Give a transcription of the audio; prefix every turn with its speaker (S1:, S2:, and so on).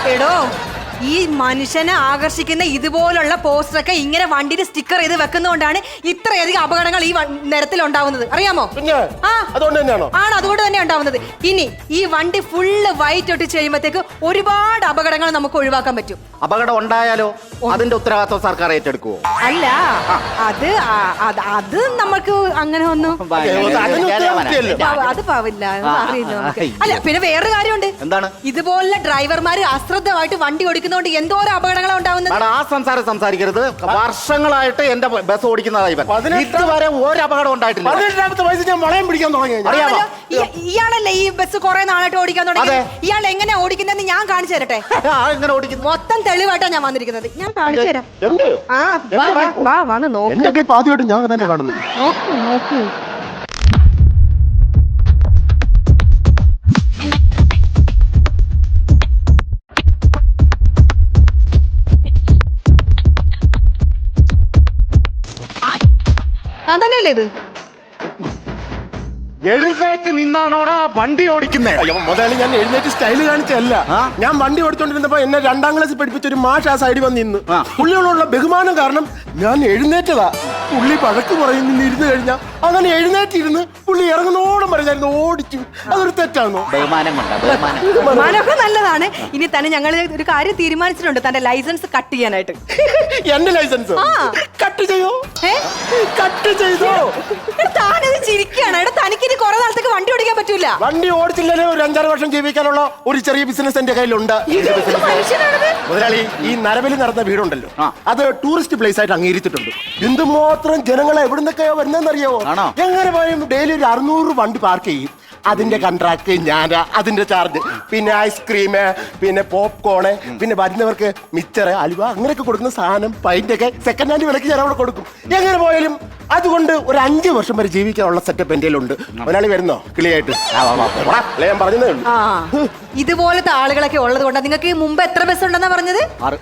S1: എടോ ഈ മനുഷ്യനെ ആകർഷിക്കുന്ന ഇതുപോലുള്ള പോസ്റ്ററൊക്കെ ഇങ്ങനെ വണ്ടിയിൽ സ്റ്റിക്കർ ചെയ്ത് വെക്കുന്നതുകൊണ്ടാണ് ഇത്രയധികം അപകടങ്ങൾ ഈ നിരത്തിൽ ഉണ്ടാവുന്നത്, അറിയാമോ?
S2: അതുകൊണ്ട് തന്നെയാണോ?
S1: ആണ്, അതുകൊണ്ട് തന്നെ ഉണ്ടാവുന്നത്. ഇനി ഈ വണ്ടി ഫുള്ള് വൈറ്റ് ഒട്ടിച്ച് കഴിയുമ്പോഴത്തേക്ക് ഒരുപാട് അപകടങ്ങൾ നമുക്ക് ഒഴിവാക്കാൻ പറ്റും.
S3: അപകടം ഉണ്ടായാലോ അതിന്റെ ഉത്തരവാദിത്വം സർക്കാർ ഏറ്റെടുക്കുവോ?
S1: അല്ല, അത് നമുക്ക് അങ്ങനെ ഒന്നും അത് പാവില്ല, അറിയില്ല നമുക്ക്. അല്ല, പിന്നെ വേറൊരു കാര്യമുണ്ട്.
S3: എന്താണ്?
S1: ഇതുപോലെ ഡ്രൈവർമാര് അശ്രദ്ധമായിട്ട് വണ്ടി ഓടിക്കുന്നതുകൊണ്ട് എന്തോരം അപകടങ്ങളാണ് ഉണ്ടാവുന്നത്.
S3: ആ സംസാരിക്കരുത്. വർഷങ്ങളായിട്ട് എന്റെ ബസ് ഓടിക്കുന്നതായി ഇതുവരെ ഒരു അപകടം ഉണ്ടായിട്ടില്ല.
S2: 18ാമത്തെ വയസ്സിൽ ഞാൻ വളയം പിടിക്കാൻ തുടങ്ങി.
S3: അറിയാമോ?
S1: ഇയാളല്ലേ ഈ ബസ് കുറെ നാളായിട്ട് ഓടിക്കാൻ തുടങ്ങി? ഇയാൾ എങ്ങനെ ഓടിക്കുന്നതെന്ന് ഞാൻ കാണിച്ചു തരട്ടെ.
S3: എങ്ങനെ ഓടിക്കുന്നു?
S1: മൊത്തം തെളിവായിട്ടാണ് ഞാൻ വന്നിരിക്കുന്നത്. ഞാൻ കാണിച്ചു തരാം. വന്ന് നോക്ക്.
S2: എന്റെ ആദ്യമായിട്ട് ഞാൻ തന്നെ കാണുന്നു.
S1: നോക്ക്. അതന്നെയല്ലേ ഇത്?
S3: എഴുന്നേറ്റ് നിന്നാണോടാ വണ്ടി ഓടിക്കുന്നേ?
S2: മുതലാളി, ഞാൻ എഴുന്നേറ്റ് സ്റ്റൈല് കാണിച്ചല്ല. ഞാൻ വണ്ടി ഓടിച്ചോണ്ടിരുന്നപ്പോ എന്നെ 2ാം ക്ലാസ്സിൽ പഠിപ്പിച്ച ഒരു മാഷ് ആ സൈഡിൽ വന്ന് നിന്ന്. പുള്ളിയോടുള്ള ബഹുമാനം കാരണം ഞാൻ എഴുന്നേറ്റതാ. പുള്ളി പഴക്ക് പറയുന്ന ഇരുന്ന് കഴിഞ്ഞാൽ അങ്ങനെ എഴുന്നേറ്റിരുന്ന് പുള്ളി ഇറങ്ങുന്നോടും പറഞ്ഞായിരുന്നു ഓടിച്ചു. അതൊരു തെറ്റാണോ?
S1: ബഹുമാനമൊക്കെ നല്ലതാണ്. ഇനി തന്നെ ഞങ്ങൾ ഒരു കാര്യം തീരുമാനിച്ചിട്ടുണ്ട്, തന്റെ ലൈസൻസ് കട്ട് ചെയ്യാനായിട്ട്.
S2: എന്റെ ലൈസൻസ് കട്ട് ചെയ്യോ? കട്ട് ചെയ്തോ?
S1: താനത് ചിരിക്കുകയാണ്. എടാ, തനിക്ക് ഇനി കുറെ നാളത്തേക്ക് വണ്ടി ഓടിക്കാൻ പറ്റൂല.
S2: വണ്ടി ഓടിച്ചില്ലേ ഒരു 5-6 വർഷം ജീവിക്കാനുള്ള ഒരു ചെറിയ ബിസിനസ് എന്റെ കയ്യിലുണ്ട്. മുതലാളി, ഈ നരബലി നടന്ന വീടുണ്ടല്ലോ, അത് ടൂറിസ്റ്റ് പ്ലേസ് ആയിട്ട് അംഗീകരിച്ചിട്ടുണ്ട്. എന്തുമാത്രം ജനങ്ങളെ എവിടുന്നൊക്കെയോ വരുന്നതെന്നറിയാവോ? എങ്ങനെ പോയും ഡെയിലി ഒരു 600 വണ്ടി പാർക്ക് ചെയ്യും. അതിന്റെ കോൺട്രാക്ട് ഞാൻ, അതിന്റെ ചാർജ്, പിന്നെ ഐസ്ക്രീം, പിന്നെ പോപ്കോണ്, പിന്നെ വരുന്നവർക്ക് മിച്ചറ്, അലുവ, അങ്ങനെയൊക്കെ കൊടുക്കുന്ന സാധനം പൈൻ്റൊക്കെ സെക്കൻഡ് ഹാൻഡ് വിലക്ക് ഞാൻ അവിടെ കൊടുക്കും. എങ്ങനെ പോയാലും അതുകൊണ്ട് ഒരു 5 വർഷം വരെ ജീവിക്കാനുള്ള സെറ്റപ്പ് എൻ്റെ ഉണ്ട്. ഒരാളി വരുന്നോ കിളിയായിട്ട്? ഞാൻ പറഞ്ഞതേ ഉള്ളൂ.
S1: ഇതുപോലത്തെ ആളുകളൊക്കെ ഉള്ളത് കൊണ്ടാ. നിങ്ങൾക്ക് മുമ്പ് എത്ര ബസ് ഉണ്ടെന്നാ പറഞ്ഞത്?